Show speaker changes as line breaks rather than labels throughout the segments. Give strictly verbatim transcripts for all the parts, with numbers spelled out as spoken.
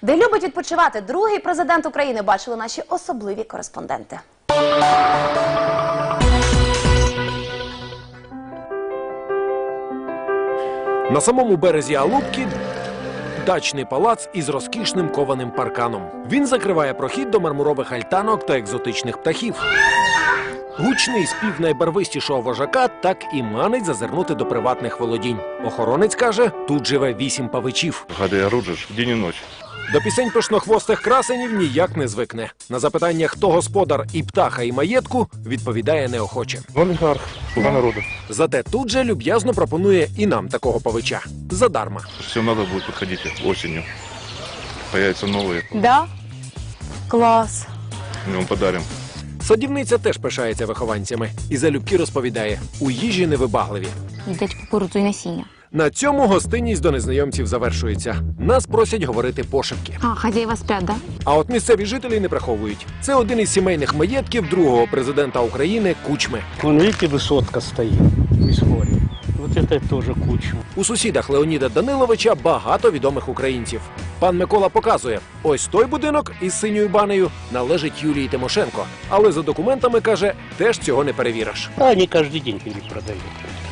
Де любить відпочивати другий президент України, бачили наші особливі кореспонденти.
На самому березі Алубки дачний палац із розкішним кованим парканом. Він закриває прохід до мармурових альтанок та екзотичних птахів. Гучний спів найбарвистішого вожака так і манить зазирнути до приватних володінь. Охоронець каже, тут живе вісім павичів.
Гады оружишь день и ночь.
До пісень пишнохвостих красенів ніяк не звикне. На запитання, хто господар і птаха, і маєтку, відповідає неохоче.
Олигарх, слуга народа.
Зате тут же люб'язно пропонує і нам такого павича. Задарма.
Всем надо будет, подходите осенью. Появятся новые.
Да? Клас.
Мы вам подарим.
Садівниця теж пишається вихованцями. І залюбки розповідає, у їжі невибагливі.
Їдять кукурудзу і насіння.
На цьому гостинність до незнайомців завершується. Нас просять говорити пошепки.
А, хазяїва сплять, да?
А от місцеві жителі не приховують. Це один із сімейних маєтків другого президента України Кучми.
Вон, видите, высотка стоит в исходе. Вот это тоже Кучма.
У сусідах Леоніда Даниловича багато відомих українців. Пан Микола показує, ось той будинок із синьою банею належить Юлії Тимошенко. Але за документами, каже, теж цього не перевіриш.
А они каждый день перепродают.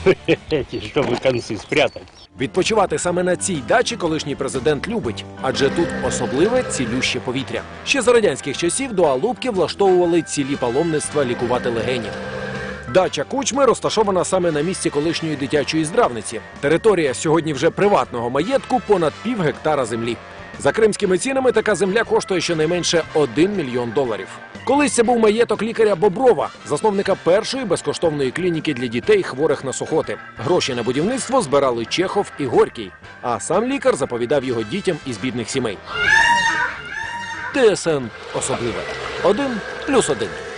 Чтобы концы спрятать.
Відпочивати саме на цій дачі колишній президент любить, адже тут особливе цілюще повітря. Ще за радянських часів до Алубки влаштовували цілі паломництва лікувати легенів. Дача Кучми розташована саме на місці колишньої дитячої здравниці. Територія сьогодні вже приватного маєтку понад пів гектара землі. За кримськими цінами така земля коштує щонайменше один мільйон доларів. Колись це був маєток лікаря Боброва, засновника першої безкоштовної клініки для дітей, хворих на сухоти. Гроші на будівництво збирали Чехов і Горький, а сам лікар заповідав його дітям із бідних сімей. ТСН особливе. Один плюс один.